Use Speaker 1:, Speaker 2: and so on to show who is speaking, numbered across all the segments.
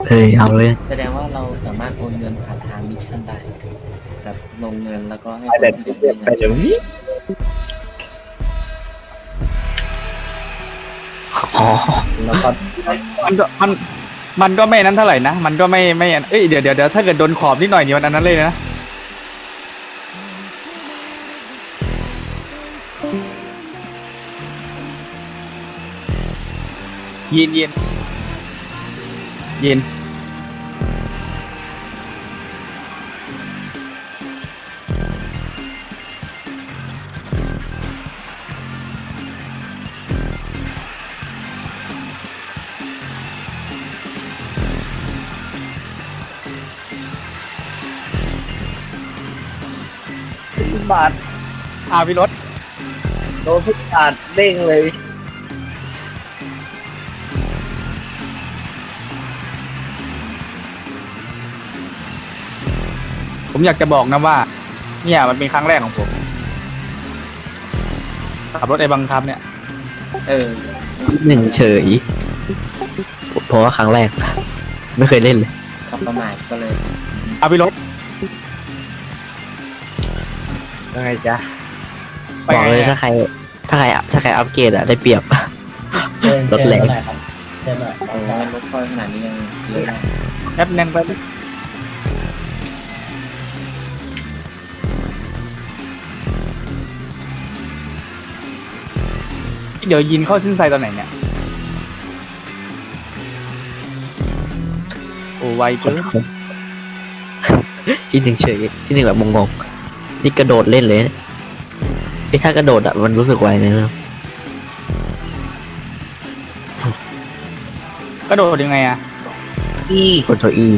Speaker 1: เฮ้ยเอาเลย
Speaker 2: แสดงว่าเราสามารถโอนเงินผ่านทางมิชชั่นได้แบบลงเงินแล้วก็ให้ค
Speaker 3: ไป
Speaker 2: น
Speaker 3: แบบ
Speaker 2: ที่อยากได้เงิน
Speaker 3: ไปเดี๋ยวนี้
Speaker 1: อ๋อ
Speaker 3: แล้วก็
Speaker 4: มันก็ไม่นั้นเท่าไหร่นะมันก็ไม่เอ้ยเดี๋ยวถ้าเกิดโดนขอบนิดหน่อยนี่มันอันนั้นเลยนะยิน
Speaker 3: ฟุตบาท
Speaker 4: พี่รถ
Speaker 3: โดนฟุตบาทเด้งเลย
Speaker 4: ผมอยากจะบอกนะว่าเนี่ยมันเป็นครั้งแรกของผมขับรถไอ้บังคับเนี่ย
Speaker 2: เออ
Speaker 1: หนึ่งเฉยเพราะว่าครั้งแรก ไม่เคยเล่นเลย
Speaker 2: ขับประมาทก็เลย
Speaker 4: พี่รถ
Speaker 3: ยังไงจ๊ะ
Speaker 4: ไป
Speaker 1: บอก
Speaker 4: ไง
Speaker 1: เลย
Speaker 4: อะ
Speaker 1: ถ้าใครอัพเกรดอะได้เปรียบ รถแรง
Speaker 3: ใช่ไหม
Speaker 2: โอ้รถค่อยขนาดนี้ยังเยอะมาก
Speaker 4: แอปแน่นไปเดี๋ยวยินเข้าสิ้นไซตอนไหนเนี่ยโอ้ไวเกิน
Speaker 1: ที่หนึ่งเฉยที่หนึ่งแบบงงๆนี่กระโดดเล่นเลยไอ้ถ้ากระโดดอะมันรู้สึกไวเลยนะ
Speaker 4: กระโดดยังไงอะ
Speaker 3: อี
Speaker 1: กดตัว E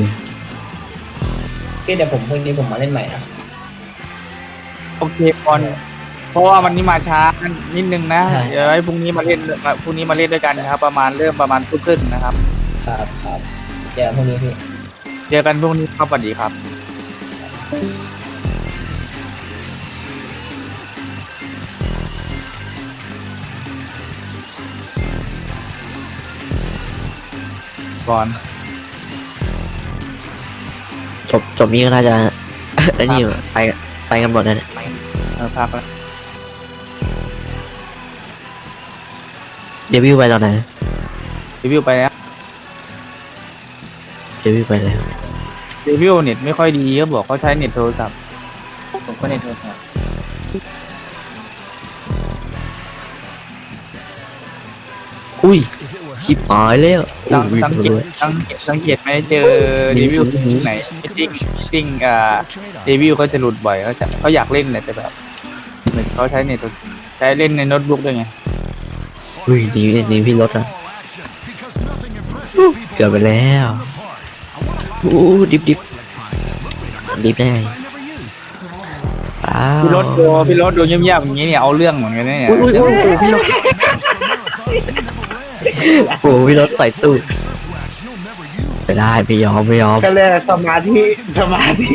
Speaker 3: เดี๋ยวผมพรุ่งนี้ผมมาเล่นใหม่นะ
Speaker 4: โอเคก่อนเพราะว่ามันนี่มาช้านิดนึงนะเดี๋ยวให้พรุ่งนี้มาเล่นด้วยกันนะครับ ประมาณทุ่มครึ่งนะครับ
Speaker 3: ครับเจอพรุ่งนี้พี่
Speaker 4: เจอกันพรุ่งนี้ครับสวัสดีครับก่อน
Speaker 1: จบนี้ก็น่าจะ ไอ้นี่ไปกันหมดแล้วเนี่ย
Speaker 4: พักแล้ว
Speaker 1: เดบิวต์ไปตอนไหน
Speaker 4: รีวิวไปแล้ว
Speaker 1: เดบิวต์ไปแล้ว
Speaker 4: รีวิวเน็ตไม่ค่อยดีเขาบอกเขาใช้เน็ตโทรศัพท์
Speaker 2: ผมก็ในโทรศัพท์
Speaker 1: อุ้ยชิบหายแล้วอุ้ย
Speaker 4: สังเกตไหมเจอรีวิวที่ไหนจริงรีวิวเขาจะหลุดบ่อยเขาอยากเล่นแต่แบบเหมือนเขาใช้เน็ตใช้เล่นในโน้ตบุ๊กด้วยไง
Speaker 1: อุ้ยนี่พี่รถอะเกือบไปแล้วอู้ดิบได้ไงอ้าว
Speaker 4: พี่รถดูเงียบๆอย่างนี้เนี่ยเอาเรื่องเหมือนกันเนี่ย
Speaker 1: อุ้ยพี่รถโอ้พี่รถใส่ตู้ไม่ได้ไม่ยอม
Speaker 3: ก็เลยสมาธิสมาธิ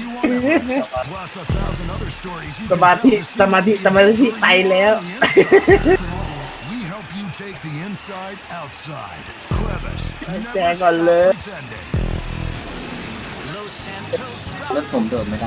Speaker 3: ไปแล้ว แจก่อนเลย
Speaker 2: รถผมโดดไม่ได้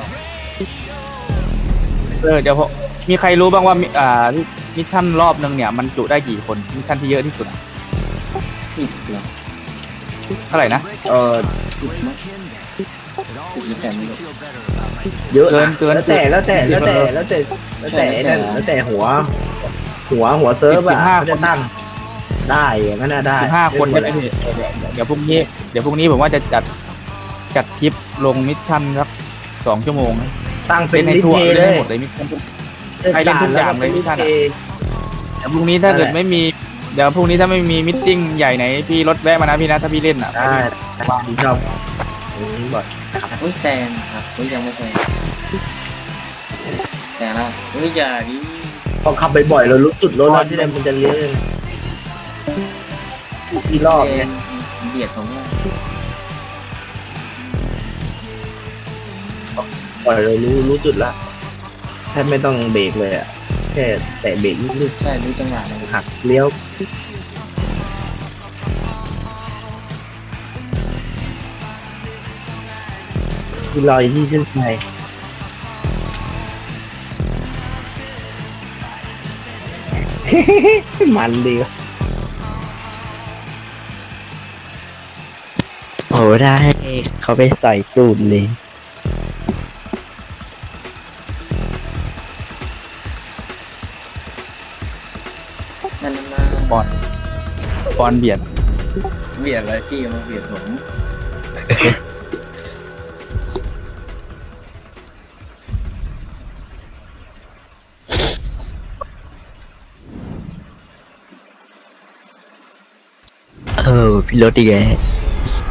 Speaker 4: เดี๋ยวมีใครรู้บ้างว่ามิชชั่นรอบนึงเนี่ยมันจุได้กี่คนมิชชั่นที่เยอะที่สุด
Speaker 2: ติดเหรอ
Speaker 4: เท่าไหร่นะ
Speaker 2: ติดมั้งติดหรือแต่ไม่รู้
Speaker 3: เยอะ
Speaker 4: เกิน
Speaker 3: แล้วแต่นั่นแล้วแต่หัวเซิร์ฟอะเขาจะตั้งได้อย่างนั้นได้
Speaker 4: 15 คนใช่ไหมพี่เดี๋ยวพรุ่งนี้ผมว่าจะจัดคลิปลงมิชชั่นสัก2 ชั่วโมง
Speaker 3: ตั้งเป็
Speaker 4: เป็น นใน
Speaker 3: ลิ
Speaker 4: ทั่ว
Speaker 3: เท
Speaker 4: เล่
Speaker 3: เล
Speaker 4: น
Speaker 3: ย
Speaker 4: หมดเลยมิชชั่นให้เล่นทุกอย่างเลยมิชชั่นเดี๋ยวพรุ่งนี้ถ้าเกิดไม่มีเดี๋ยวพรุ่งนี้ถ้าไม่มีมิทติ้งใหญ่ไหนพี่รถแวะมานะพี่นะถ้าพี่เล่นอ่ะ
Speaker 3: ได้ชอบบอก
Speaker 2: อุ้ยแซงครับอุ้ยยังไม่แซงแซงแล้วอุ้ยอย่าดิ
Speaker 3: พอขับบ่อยๆเรารู้จุดรถที่ไหนมันจะเลี้ยวกี่รอบ
Speaker 2: แซ
Speaker 3: เนี่ย
Speaker 2: งเบียดผมว่า
Speaker 3: ปล่อยเรารู้จุดละแทบไม่ต้องเบรกเลยอ่ะแค่แตะเบรกนิด
Speaker 2: ใช่รู้จังหวะเลย
Speaker 3: ๆหักเลี้ยวที่ลอยที่เส้นชัยมันดีวะ
Speaker 1: โอ้ได้เขาไปใส่ตูดเลย
Speaker 2: นั่นน่ะ
Speaker 4: บอลเบียด
Speaker 2: เบียดอะไรพี่มาเบียดผม
Speaker 1: พี่รถดีแก